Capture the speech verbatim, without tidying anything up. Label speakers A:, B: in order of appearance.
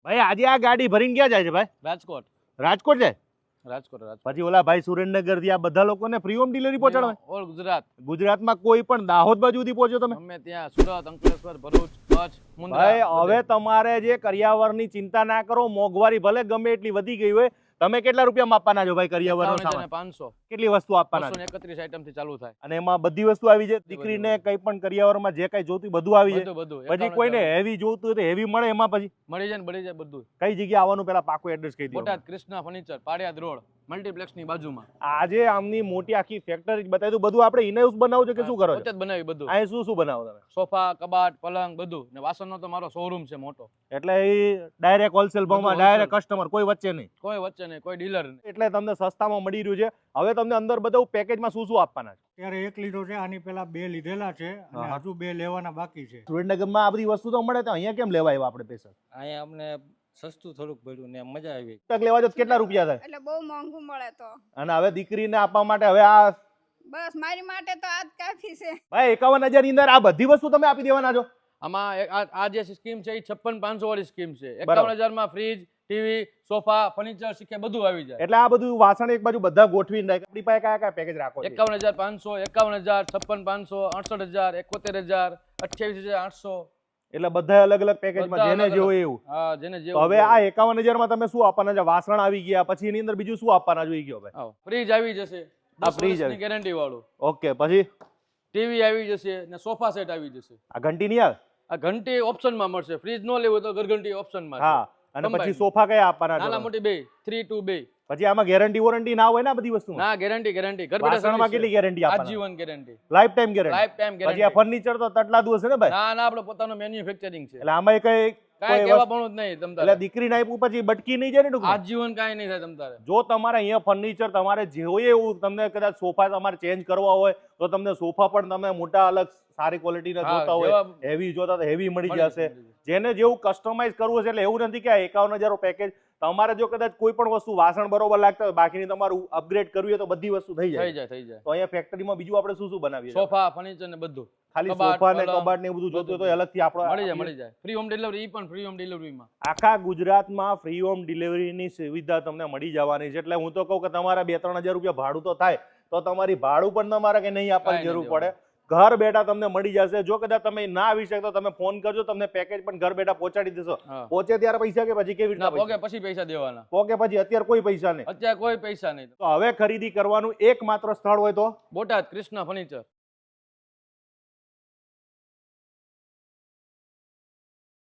A: ભાઈ આજે આ ગાડી ભરીને ક્યાં જાય છે ભાઈ?
B: રાજકોટ
A: રાજકોટ જાય?
B: રાજકોટ રાજકોટ
A: પછી ઓલા ભાઈ સુરેન્દ્રનગર થી આ બધા લોકોને ફ્રી હોમ ડિલિવરી પહોંચાડવા?
B: ઓલ ગુજરાત
A: ગુજરાતમાં કોઈ પણ દાહોદ બાજુ સુધી પહોંચો તમે?
B: અમે ત્યાં સુરત અંકલેશ્વર ભરૂચ કચ્છ મુન્દ્રા
A: ભાઈ હવે
B: બધે.
A: તમારે જે કરિયાવરની ચિંતા ના કરો, મોંઘવારી ભલે ગમે એટલી વધી ગઈ હોય, તમે કેટલા રૂપિયા આપવાના છો ભાઈ કરિયાવરનો
B: એકાવન હજાર ને
A: સામાન?
B: પાંચસો
A: કેટલી વસ્તુ આપવાના
B: બસો
A: છે?
B: ને એકત્રીસ આઈટમ થી ચાલુ થાય
A: અને એમાં બધી વસ્તુ આવી જાય? દીકરીને કઈ પણ કરિયાવરમાં જે કઈ જોતું બધું આવી જાય?
B: બધું બધું
A: પછી
B: એકાવન
A: કોઈને
B: હજાર.
A: હેવી જોતું હોય તો હેવી મળે એમાં? પછી
B: મળી જાય ને મળી જાય બધું.
A: કઈ જગ્યાએ આવવાનું પેલા પાકું એડ્રેસ કહી દો.
B: Botad Krishna furniture Padiyad road multiplex ની બાજુમાં.
A: આજે આમની મોટી આખી ફેક્ટરી બતાવી દઉં. બધું આપણે ઇનહાઉસ બનાવો છો કે શું કરો
B: પોતે
A: છો?
B: જ બનાવી બધું.
A: અહીં શું શું બનાવો તમે?
B: સોફા કબાટ પલંગ બધું ને વાસણનો તો મારો શોરૂમ છે મોટો.
A: એટલે એ ડાયરેક્ટ હોલસેલ ભાવમાં
B: બધું
A: ડાયરેક્ટ કસ્ટમર, કોઈ વચ્ચે નહીં.
B: કોઈ વચ્ચે નહીં કોઈ ડીલર નહીં.
A: એટલે તમને સસ્તામાં મળી રહ્યું છે. હવે તમને અંદર બધું પેકેજમાં શું શું આપવાના છે?
C: અત્યારે એક લીધો છે, આની પેલા બે લીધેલા છે અને
A: હા.
C: હજુ બે લેવાના બાકી છે.
A: સુરેન્દ્રનગરમાં આ બધી વસ્તુ તો મળે, તો અહીંયા કેમ લેવા આવ્યા આપણે પૈસા?
D: અહીંયા અમને સસ્તું થોડુંક પડ્યું ને મજા આવી.
A: તક લેવા જો કેટલા રૂપિયા થાય?
E: એટલે બહુ મોંઘું મળે તો
A: અને હવે દીકરીને આપવા માટે હવે આ
E: બસ મારી માટે તો આ જ કાફી છે.
A: ભાઈ એકાવન હજાર ની અંદર આ બધી વસ્તુ તમે આપી દેવાના છો?
B: આમાં એક આ આ જે સ્કીમ છે એ છપ્પન પાંચસો વાળી સ્કીમ છે.
A: બરાબર.
B: એકાવન હજાર માં ફ્રીજ ટીવી સોફા ફર્નિચર શીખે બધું આવી જાય.
A: એટલે આ બધું વાસણ એક બાજુ બધા ગોઠવીને રાખે. આપણી પાસે કયા કયા પેકેજ રાખો છો?
B: એકાવન હજાર પાંચસો એકાવન હજાર છપ્પન પાંચસો અડસઠ હજાર એકોતેર હજાર અઠ્યાવીસ હજાર આઠસો.
A: એટલે બધા અલગ અલગ પેકેજમાં
B: બધા
A: જેને
B: અલગ
A: જેવું
B: અલગ.
A: એવું.
B: હા જેને
A: તો
B: જેવું
A: હવે આ એકાવન હજાર માં તમે શું આપવાના છે? વાસણ આવી ગયા, પછી એની અંદર બીજું શું આપવાના જોઈ ગયો ભાઈ?
B: ફ્રીજ આવી જશે
A: આ
B: દસ
A: fridge
B: વર્ષની
A: આવી.
B: ગેરંટી વાળું.
A: ઓકે, પછી
B: ટીવી આવી જશે ને સોફા સેટ આવી જશે.
A: આ ઘંટી નહીં આવે?
B: આ ઘંટી ઓપ્શનમાં મળશે. ફ્રીજ ન લેવું હોય તો ઘરઘંટી ઓપ્શનમાં
A: હા. અને
B: Combine.
A: પછી સોફા કયા આપવાના
B: નાના
A: છો?
B: મોટી બે થ્રી ટુ બે.
A: પછી આમાં ગેરંટી વોરંટી ના હોય ને આ બધી વસ્તુ?
B: ના ગેરંટી ગેરંટી ઘર
A: વાસણમાં કેટલી ગેરંટી આપવાના?
B: આજીવન guarantee
A: life time guarantee?
B: Life time
A: પછી આ
B: ગેરંટી.
A: ફર્નિચર તો તટલાદું હશે ને ભાઈ?
B: ના ના આપણે પોતાનું મેન્યુફેક્ચરિંગ છે.
A: એટલે આમાં કઈ
B: કાંઈ
A: કોઈ
B: કેવા
A: વસ્તુ-
B: પણ જ નહીં તમ
A: એટલે
B: તારે.
A: દીકરીને આપ્યું પછી બટકી નહીં જાય ને ટૂંકમાં?
B: આજીવન કાંઈ નહીં થાય તમ તારે.
A: જો તમારે અહીંયા ફર્નિચર તમારે જોઈએ એવું, તમને કદાચ સોફા તમારે ચેન્જ કરવા હોય તો તમને સોફા પણ તમે મોટા અલગ સારી ક્વોલિટીના
B: હા,
A: જોતા હોય,
B: જેવા-
A: હેવી જોતા તો હેવી મળી
B: મળી
A: જશે.
B: જશે.
A: જેને જેવું કસ્ટમાઇઝ કરવું છે. એટલે એવું નથી કે આ એકાવન હજાર પેકેજ તમારે જો કદાચ કોઈ પણ વસ્તુ વાસણ બરોબર લાગતા હોય, બાકીની તમારું અપગ્રેડ કરવી હોય તો બધી વસ્તુ થઈ
B: થઈ
A: જાય.
B: જાય થઈ જાય.
A: તો અહીંયા ફેક્ટરીમાં બીજું આપણે શું શું બનાવીએ?
B: સોફા ફર્નિચર ને બધું
A: ખાલી
B: કબાટ,
A: સોફા ને
B: પલંગ,
A: કબાટ ને એવું બધું જોતું હોય તો
B: બધું.
A: અલગથી આપણે
B: મળી જાય મળી જાય. ફ્રી હોમ ડિલિવરી પણ ફ્રી હોમ ડિલિવરીમાં.
A: આખા ગુજરાતમાં ફ્રી હોમ ડિલિવરીની સુવિધા તમને મળી જવાની છે. એટલે હું તો કહું કે તમારા બે ત્રણ હજાર રૂપિયા ભાડું તો થાય, તો તમારી ભાડું પણ તમારે કે નહીં આપવાની
B: કાંઈ
A: જરૂર
B: નહીં
A: પડે. ઘર બેઠા તમને મળી જશે. જો કદાચ તમે ના આવી શકતો તમે ફોન કરજો, તમને પેકેજ પણ ઘર બેઠા પહોંચાડી દેશો.
B: હા.
A: પહોંચે ત્યારે પૈસા કે પછી કેવી
B: ના
A: રીતના
B: પોકે
A: પૈસા?
B: પછી પૈસા દેવાના.
A: પોકે પછી અત્યારે કોઈ પૈસા નહીં.
B: અત્યારે કોઈ પૈસા નહીં.
A: તો હવે ખરીદી કરવાનું એકમાત્ર સ્થળ હોય તો
B: બોટાદ કૃષ્ણા ફર્નિચર.